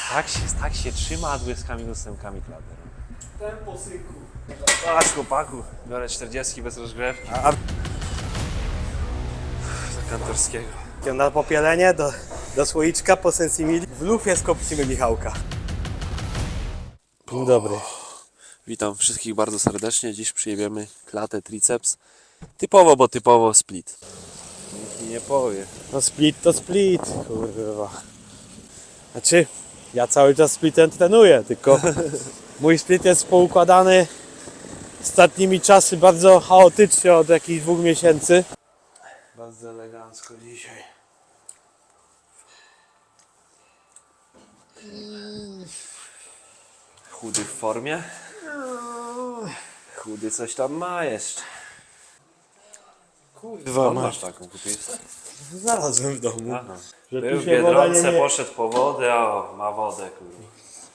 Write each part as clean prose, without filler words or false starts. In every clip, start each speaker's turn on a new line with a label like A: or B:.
A: Tak się trzyma, a 20 z 8 klater.
B: Tempo, synku.
A: Patrz chłopaku, biorę 40 bez rozgrzewki. Za kantorskiego.
B: Na popielenie do słoiczka po sensimili. W lufie skopcimy Michałka. Dzień dobry.
A: Witam wszystkich bardzo serdecznie. Dziś przyjebiemy klatę triceps. Typowo, bo typowo split. Nikt mi nie powie.
B: No split to split, kurwa. Znaczy, ja cały czas splitem trenuję, tylko mój split jest poukładany ostatnimi czasy bardzo chaotycznie od jakichś 2 miesięcy.
A: Bardzo elegancko dzisiaj. Chudy w formie. Chudy coś tam ma jeszcze.
B: Kurwa,
A: Skąd masz taką? Kupiłeś?
B: Znalazłem w domu.
A: Aha.
B: Że
A: Był
B: tu
A: w
B: się woda
A: Biedronce,
B: nie...
A: poszedł po wodę, a ma wodę, kurwa.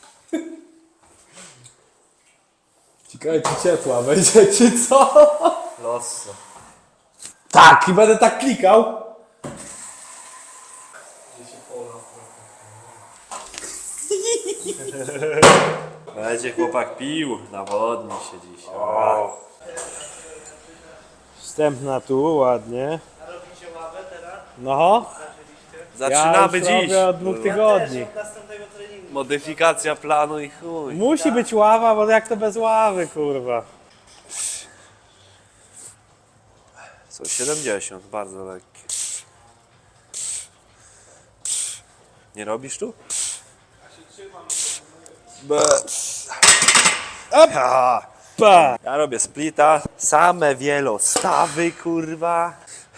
B: Ciekawe czy ciepła będzie, czy co?
A: Losso.
B: Tak, i będę tak klikał.
A: Będzie chłopak pił, nawodni się dziś.
B: Wstępna tu, ładnie.
C: Robicie ławę teraz?
B: No,
A: Zaczynamy
B: ja już
A: dziś.
B: robię od 2 tygodni.
C: Od następnego treningu.
A: Modyfikacja planu i chuj.
B: Musi być ława, bo jak to bez ławy, kurwa.
A: Są 70, bardzo lekkie. Nie robisz tu?
B: Pa!
A: Ja robię splita, same wielostawy, kurwa.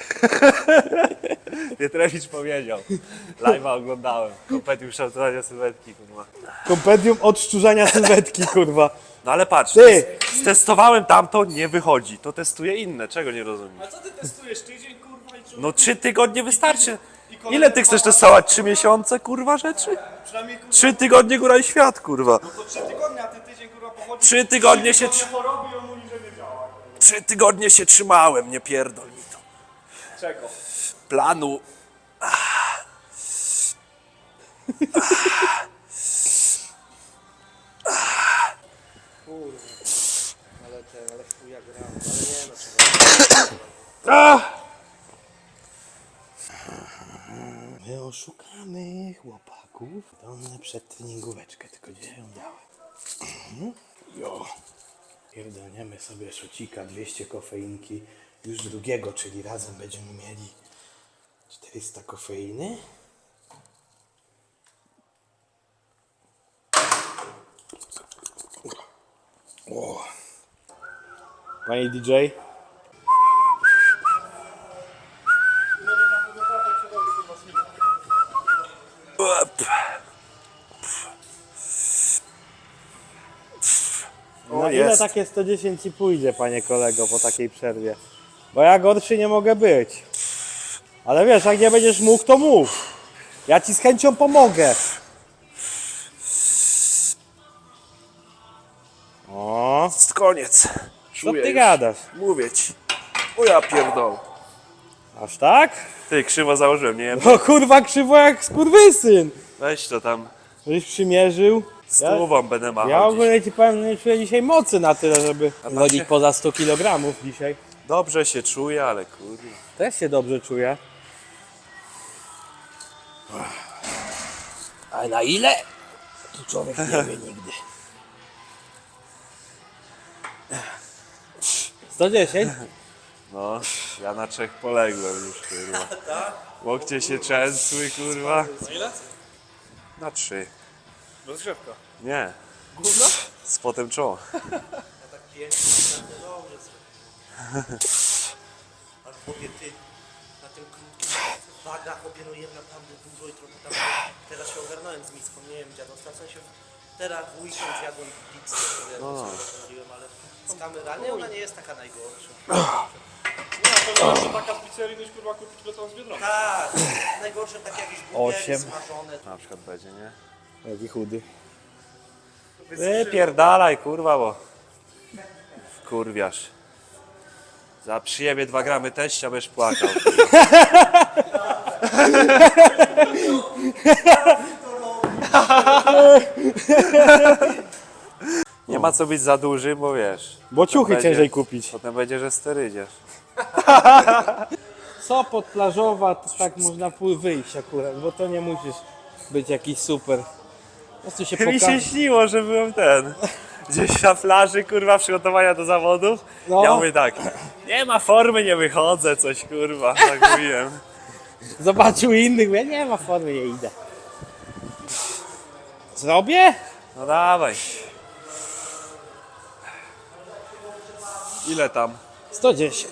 A: Pietrowicz powiedział. Live'a oglądałem. Kompetium kształtowania sylwetki, kurwa.
B: Kompendium odszczurzania sylwetki, kurwa.
A: No ale patrz,
B: Ty!
A: stestowałem tamto, nie wychodzi. To testuję inne, czego nie rozumiem?
C: A co ty testujesz? Tydzień, kurwa, i
A: No 3 tygodnie wystarczy. Ile ty chcesz testować? 3 miesiące, kurwa, rzeczy?
C: przynajmniej kurwa
A: 3 tygodnie góra i świat, kurwa.
C: to 3 tygodnie, a ty tydzień kurwa pochodzi.
A: 3 tygodnie się...
C: Choroby i on mówi, że nie działa.
A: 3 tygodnie się trzymałem, nie pierdol mi to.
C: Czego?
A: Planu.
C: Ale chuja gram, ale nie no trzeba.
B: My oszukamy chłopaków. To one przed treningóweczkę, tylko gdzie ją dałem? Jo. Pierdolniemy sobie szocika, 200 kofeinki. Już drugiego, czyli razem będziemy mieli 400 kofeiny. O. Panie DJ? Na ile
A: jest.
B: takie 110 ci pójdzie, panie kolego, po takiej przerwie? Bo ja gorszy nie mogę być. Ale wiesz, jak nie będziesz mógł, to mów. Ja ci z chęcią pomogę. O,
A: Koniec.
B: co
A: Czuję
B: ty
A: już.
B: gadasz?
A: Mówię ci. O ja pierdol.
B: Aż tak?
A: Ty, krzywo założyłem, nie wiem.
B: No kurwa krzywo jak skurwysyn.
A: Weź to tam.
B: Żeś przymierzył.
A: Stówą będę machał
B: Ja
A: dziś.
B: ogólnie ci powiem, nie czuję dzisiaj mocy na tyle, żeby
A: macie?
B: chodzić poza 100 kg dzisiaj.
A: Dobrze się czuję, ale kurwa.
B: Też się dobrze czuję. A na ile? To człowiek nie wie nigdy. 110?
A: No, ja na 3 poległem już, kurwa. Łokcie się trzęsły, kurwa.
C: Na ile?
A: Na 3.
C: Rozgrzewka.
A: Nie.
C: Gówno?
A: Z potem czoło.
C: Ja tak pięknie, naprawdę dobrze sobie. Ale chłopie, ty na tym krótkim wagach operujemy naprawdę dużo i trochę tam... Teraz się ogarnąłem z miską, nie wiem dziadostwa, w sensie teraz w weekend jadłem pizzę, mówiłem, ale z kamerami ona nie jest taka najgorsza.
D: To taka pizzeria niż kurwa kupić beton z Biedronki.
C: Tak, najgorsze takie jakieś burgery
B: 8.
C: smażone.
A: Na przykład będzie, nie?
B: Jaki chudy.
A: Wypierdalaj, kurwa, bo kurwiasz. Za przyjemie 2 gramy teścia będziesz płakał. Kurwa. Nie ma co być za duży, bo wiesz.
B: Bo ciuchy
A: będzie-
B: ciężej kupić.
A: Potem będzie, że sterydziesz.
B: Sopot plażowa, to tak można wyjść akurat, bo to nie musisz być jakiś super. Po prostu się
A: Mi się
B: pokaże.
A: śniło, że byłem gdzieś na plaży, kurwa, przygotowania do zawodów.
B: No.
A: Ja mówię tak, nie ma formy, nie wychodzę, coś kurwa, tak mówiłem.
B: Zobaczył innych, mówię, nie ma formy, nie idę. Zrobię?
A: No dawaj. Ile tam?
B: 110.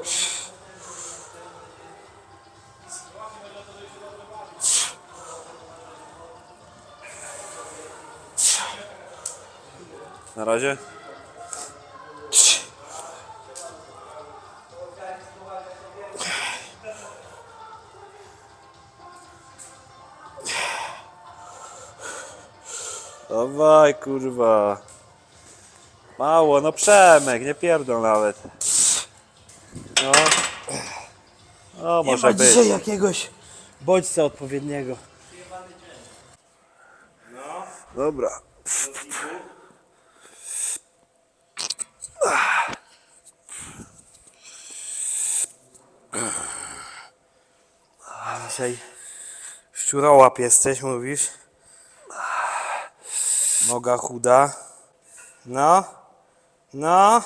A: Na razie? Dawaj, kurwa. Mało, no Przemek, nie pierdol nawet. No. O,
B: Nie
A: może
B: ma
A: być.
B: dzisiaj jakiegoś bodźca odpowiedniego.
A: Dobra.
B: Dzisiaj szczurołap jesteś, mówisz? Noga chuda. No. No.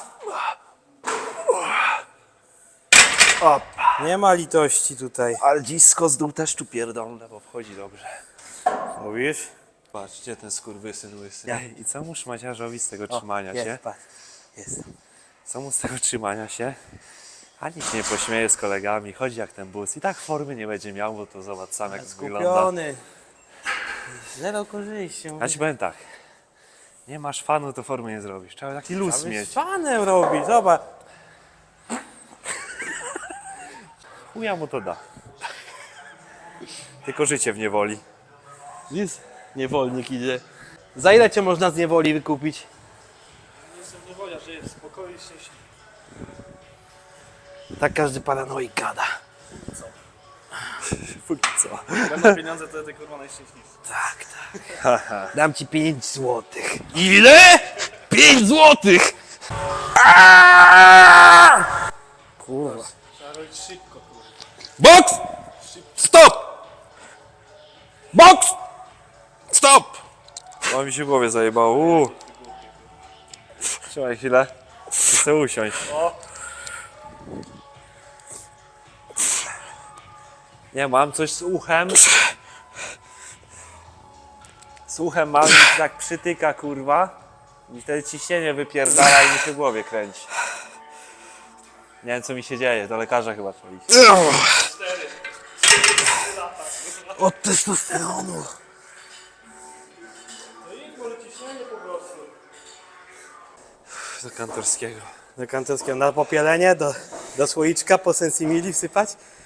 B: Nie ma litości tutaj.
A: Ale dzisko z dół też tu pierdolne, bo wchodzi dobrze.
B: Mówisz?
A: Patrz, gdzie ten skurwysyn łysy. I co mu szmaciarzowi z tego trzymania
B: jest,
A: się?
B: patrz. Jest.
A: Co mu z tego trzymania się? Ani się nie pośmieje z kolegami, chodzi jak ten bus. I tak formy nie będzie miał, bo to zobacz sam jak wygląda.
B: Skupiony. Zero korzyści.
A: Ja ci powiem tak. Nie masz fanu, to formy nie zrobisz. Trzeba taki luz mieć.
B: Z fanem robi, zobacz.
A: Chuja mu to da. Tylko życie w niewoli.
B: Jest. Niewolnik idzie. Za ile cię można z niewoli wykupić?
D: Jestem niewolia, żyję w spokoju i szczęśliwie.
B: Tak każdy paranoik gada.
A: Póki co.
D: Będą pieniądze, to ty kurwa najszczęśliwszy.
B: Dam ci 5 złotych.
A: Ile? 5 złotych!
B: Kurwa.
D: Trzeba robić szybko, kurwa.
A: Boks! Stop! Boks! Stop! O, mi się w głowie zajebało. Trzymaj chwilę. Chcę usiąść. Nie, mam coś z uchem. Z uchem mam i tak przytyka, kurwa. I wtedy ciśnienie wypierdala i mi się w głowie kręci. Nie wiem, co mi się dzieje. Do lekarza chyba trzeba iść.
B: Od testosteronu.
D: No i może ciśnienie po prostu.
A: Do kantorskiego.
B: Do kantorskiego na popielenie, do słoiczka po sensimili wsypać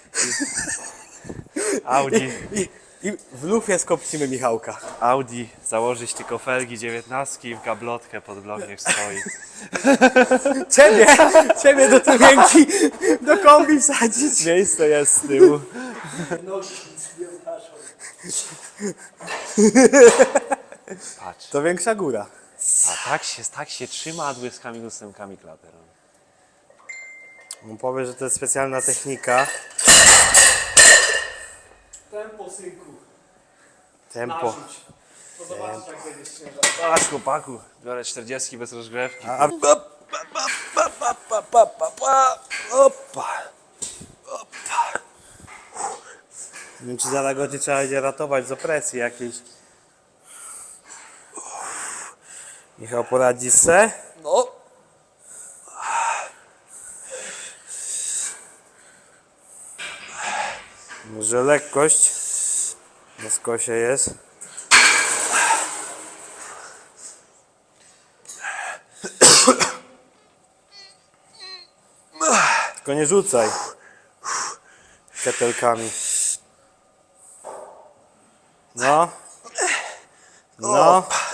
A: Audi.
B: i w lufie skopcimy Michałka.
A: Audi. Założyć tylko felgi 19 i w gablotkę pod blok niech stoi.
B: Ciebie do tymienki, do kombi wsadzić.
A: Miejsce jest z tyłu. Patrz.
B: To większa góra.
A: A tak się trzyma, a błyskami ósemkami klatę robi.
B: On powie, że to jest specjalna technika.
D: Tempo, synku.
B: Tempo.
D: Narzuć. To zobaczysz, jak będziesz ciężar.
A: Aż chłopaku, biorę 40 bez rozgrzewki.
B: Opa. Nie wiem, czy za go nie trzeba będzie ratować z opresji jakiejś. Michał, poradzi se?
A: No.
B: Może lekkość na skosie jest. Tylko nie rzucaj ketelkami. No. No.